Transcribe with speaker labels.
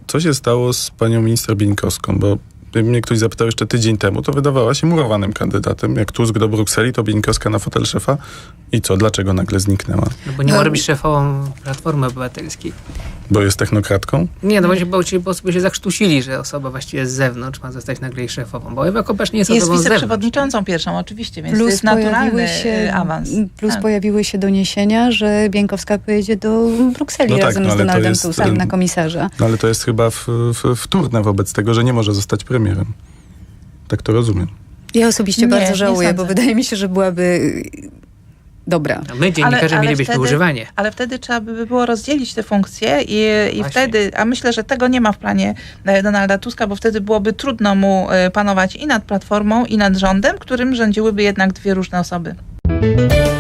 Speaker 1: co się stało z panią minister Bieńkowską, bo gdyby mnie ktoś zapytał jeszcze tydzień temu, to wydawała się murowanym kandydatem. Jak Tusk do Brukseli, to Bieńkowska na fotel szefa. I co? Dlaczego nagle zniknęła?
Speaker 2: No bo nie ma robić szefową Platformy Obywatelskiej.
Speaker 1: Bo jest technokratką?
Speaker 2: Nie, no bo sobie się zakrztusili, że osoba właściwie z zewnątrz ma zostać nagle jej szefową. Bo Ewa Kopacz nie jest osobą z zewnątrz.
Speaker 3: Jest wiceprzewodniczącą pierwszą, oczywiście, więc to jest naturalny awans.
Speaker 4: Plus pojawiły się doniesienia, że Bieńkowska pojedzie do Brukseli razem z Donaldem Tuskiem na komisarza.
Speaker 1: No ale to jest chyba wtórne wobec tego, że nie może zostać premierem. Tak to rozumiem.
Speaker 4: Ja osobiście bardzo żałuję, bo wydaje mi się, że byłaby dobra.
Speaker 2: A my, dziennikarze, mielibyśmy używanie.
Speaker 3: Ale wtedy trzeba by było rozdzielić te funkcje i wtedy, a myślę, że tego nie ma w planie Donalda Tuska, bo wtedy byłoby trudno mu panować i nad Platformą, i nad rządem, którym rządziłyby jednak dwie różne osoby.